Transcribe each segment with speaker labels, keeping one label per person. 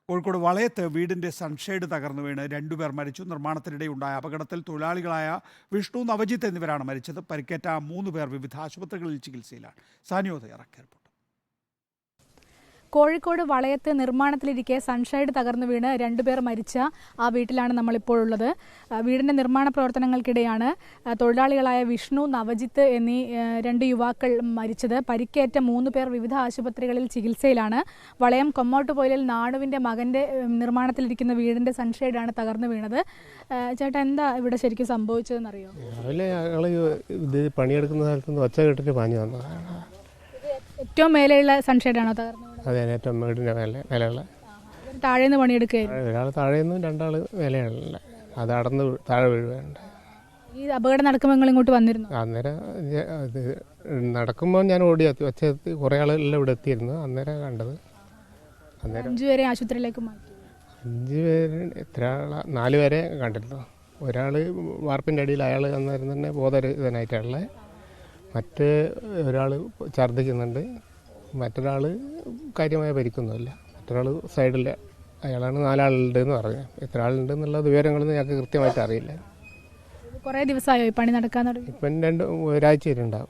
Speaker 1: കോഴിക്കോട് വളയത്ത് വീടിന്റെ സൺഷെയ്ഡ് തകർന്നു വീണ് രണ്ടുപേർ മരിച്ചു. നിർമ്മാണത്തിനിടെ ഉണ്ടായ അപകടത്തിൽ തൊഴിലാളികളായ വിഷ്ണു, നവജിത്ത് എന്നിവരാണ് മരിച്ചത്. പരിക്കേറ്റ 3 പേർ വിവിധ ആശുപത്രികളിൽ ചികിത്സയിലാണ്. സാനിയോ തയ്യാറാക്കിയ റിപ്പോർട്ട്.
Speaker 2: കോഴിക്കോട് വളയത്ത് നിർമ്മാണത്തിലിരിക്കെ സൺഷൈഡ് തകർന്നു വീണ് 2 പേർ മരിച്ച ആ വീട്ടിലാണ് നമ്മളിപ്പോൾ ഉള്ളത്. വീടിന്റെ നിർമ്മാണ പ്രവർത്തനങ്ങൾക്കിടെയാണ് തൊഴിലാളികളായ വിഷ്ണു, നവജിത്ത് എന്നീ 2 യുവാക്കൾ മരിച്ചത്. പരിക്കേറ്റ 3 പേർ വിവിധ ആശുപത്രികളിൽ ചികിത്സയിലാണ്. വളയം കൊമ്മോട്ടുപോയിലിൽ നാണുവിന്റെ മകന്റെ നിർമ്മാണത്തിലിരിക്കുന്ന വീടിന്റെ സൺഷൈഡാണ് തകർന്നു വീണത്. ചേട്ടാ, എന്താ ഇവിടെ ശരിക്കും സംഭവിച്ചതെന്നറിയോ?
Speaker 3: രാവിലെ ഞങ്ങൾ ഇത് പണിയെടുക്കുന്ന സ്ഥലത്ത് ഒച്ച കേട്ടിട്ട് പാഞ്ഞു വന്നതാണ്.
Speaker 2: ഏറ്റവും മേലെയുള്ള സൺഷൈഡാണോ തകർന്നത്?
Speaker 3: അതെ, ഏറ്റവും വീടിൻ്റെ മേലെയുള്ള.
Speaker 2: താഴേന്ന് പണിയെടുക്കുകയായിരുന്നു.
Speaker 3: ഒരാൾ താഴേന്നും 2 ആൾ മേലെയുള്ള. അത് അടന്ന് താഴെ വീഴുകയുണ്ട്.
Speaker 2: ഈ അപകടം നടക്കുമ്പോൾ നിങ്ങൾ ഇങ്ങോട്ട് വന്നിരുന്നു?
Speaker 3: അന്നേരം ഇത് നടക്കുമ്പോൾ ഞാൻ ഓടി ഒച്ച കുറേ ആളെല്ലാം ഇവിടെ എത്തിയിരുന്നു. അന്നേരം കണ്ടത്. അന്നേരം
Speaker 2: 5 പേരെ ആശുപത്രിയിലേക്ക് മാറ്റി.
Speaker 3: 5 പേര് എത്ര ആളാ? 4 പേരെ കണ്ടിരുന്നു. ഒരാൾ വാർപ്പിൻ്റെ അടിയിൽ, അയാൾ അന്നേരം തന്നെ ബോധരഹിതനായിട്ടുള്ളത്. മറ്റ് ഒരാൾ ഛർദ്ദിക്കുന്നുണ്ട്. മറ്റൊരാൾ കാര്യമായ പരിക്കൊന്നുമില്ല. മറ്റൊരാൾ സൈഡിൽ, അയാളാണ് 4 ആളുണ്ടെന്ന് പറഞ്ഞത്. എത്ര ആളുണ്ടെന്നുള്ള വിവരങ്ങളൊന്നും ഞങ്ങൾക്ക് കൃത്യമായിട്ട് അറിയില്ല.
Speaker 2: കുറേ ദിവസമായോ ഈ പണി നടക്കാൻ തുടങ്ങി?
Speaker 3: ഇപ്പം ഒരാഴ്ച വരെയുണ്ടാവും.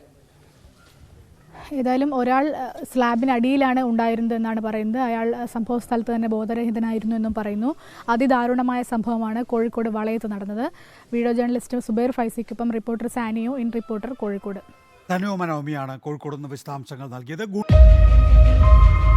Speaker 2: ഏതായാലും ഒരാൾ സ്ലാബിനടിയിലാണ് ഉണ്ടായിരുന്നത് എന്നാണ് പറയുന്നത്. അയാൾ സംഭവ സ്ഥലത്ത് തന്നെ ബോധരഹിതനായിരുന്നു എന്നും പറയുന്നു. അതിദാരുണമായ സംഭവമാണ് കോഴിക്കോട് വളയത്ത് നടന്നത്. വീഡിയോ ജേർണലിസ്റ്റ് സുബൈർ ഫൈസിക്കൊപ്പം reporter Saniyo, in reporter Kozhikode.
Speaker 1: ധനുവ മനോമിയാണ് കോഴിക്കോട് നിന്ന് വിശദാംശങ്ങൾ നൽകിയത്.